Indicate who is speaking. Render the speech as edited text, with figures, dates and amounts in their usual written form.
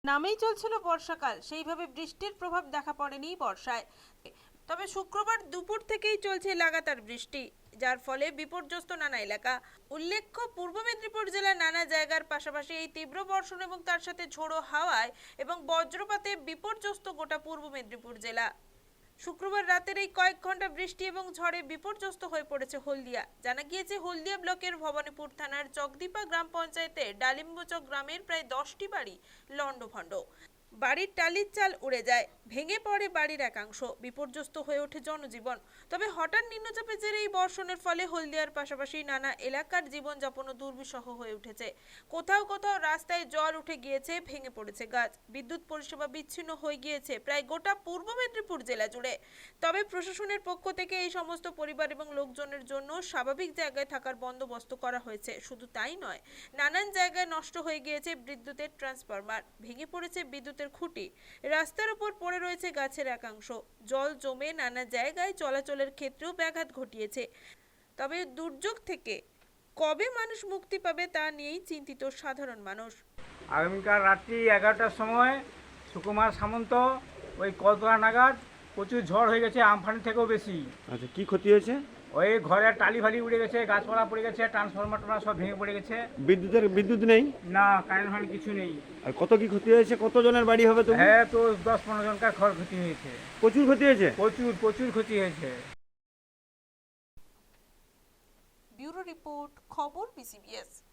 Speaker 1: নামেই চলছিল বর্ষাকাল, সেইভাবে বৃষ্টির প্রভাব দেখা পড়েনি বর্ষায়। তবে শুক্রবার দুপুর থেকেই চলছে লাগাতার বৃষ্টি, যার ফলে বিপর্যস্ত নানা এলাকা। উল্লেখ্য, পূর্ব মেদিনীপুর জেলার নানা জায়গার পাশাপাশি এই তীব্র বর্ষণ এবং তার সাথে ঝোড়ো হাওয়ায় এবং বজ্রপাতে বিপর্যস্ত গোটা পূর্ব মেদিনীপুর জেলা। শুক্রবার রাতের এই কয়েক ঘন্টা বৃষ্টি এবং ঝড়ে বিপর্যস্ত হয়ে পড়েছে হলদিয়া। জানা গিয়েছে, হলদিয়া ব্লকের ভবানীপুর থানার চকদীপা গ্রাম পঞ্চায়েতের ডালিম্বচক গ্রামের প্রায় 10টি বাড়ি লণ্ডভণ্ড। বাড়ির টালির চাল উড়ে যায়, ভেঙে পড়ে বাড়ির একাংশ, বিপর্যস্ত হয়ে ওঠে জনজীবন। তবে হঠাৎ নিম্নচাপের জেরে এই বর্ষণের ফলে হলদিয়ার পাশাপাশি নানা এলাকার জীবনযাপনও দুর্বিষহ হয়ে উঠেছে। কোথাও কোথাও রাস্তায় জল উঠে গিয়েছে, ভেঙে পড়েছে গাছ, বিদ্যুৎ পরিষেবা বিচ্ছিন্ন হয়ে গিয়েছে প্রায় গোটা পূর্ব মেদিনীপুর জেলা জুড়ে। তবে প্রশাসনের পক্ষ থেকে এই সমস্ত পরিবার এবং লোকজনের জন্য স্বাভাবিক জায়গায় থাকার বন্দোবস্ত করা হয়েছে। শুধু তাই নয়, নানান জায়গায় নষ্ট হয়ে গিয়েছে বিদ্যুতের ট্রান্সফরমার, ভেঙে পড়েছে বিদ্যুতের খুঁটি, রাস্তার উপর পড়ে রয়েছে গাছের একাংশ, জল জমে নানা জায়গায় চলাচলের ক্ষেত্রেও ব্যাঘাত ঘটিয়েছে। তবে দুর্যোগ থেকে কবে মানুষ মুক্তি পাবে তা নিয়েই চিন্তিত সাধারণ মানুষ।
Speaker 2: আগামীকাল রাত্রি 11টার সময় সুকুমার সামন্ত ওই কলতলা নাগাদ প্রচুর ঝড় হয়ে গেছে, আমফান থেকেও বেশি।
Speaker 3: আচ্ছা, কি ক্ষতি হয়েছে?
Speaker 2: ওই ঘরের টালি ফালি উড়ে গেছে, গাছপালা পড়ে গেছে, ট্রান্সফরমার সব ভেঙে পড়ে গেছে।
Speaker 3: বিদ্যুৎ নেই?
Speaker 2: না, কারেন্ট ফারেন্ট কিছু নেই।
Speaker 3: আর কত কি ক্ষতি হয়েছে? কতজনের বাড়ি হবে তো?
Speaker 2: হ্যাঁ, তো 10-15 জনকার ক্ষতি হয়েছে।
Speaker 3: প্রচুর ক্ষতি হয়েছে?
Speaker 2: প্রচুর ক্ষতি হয়েছে।
Speaker 1: ব্যুরো রিপোর্ট, খবর বিসিবিএস।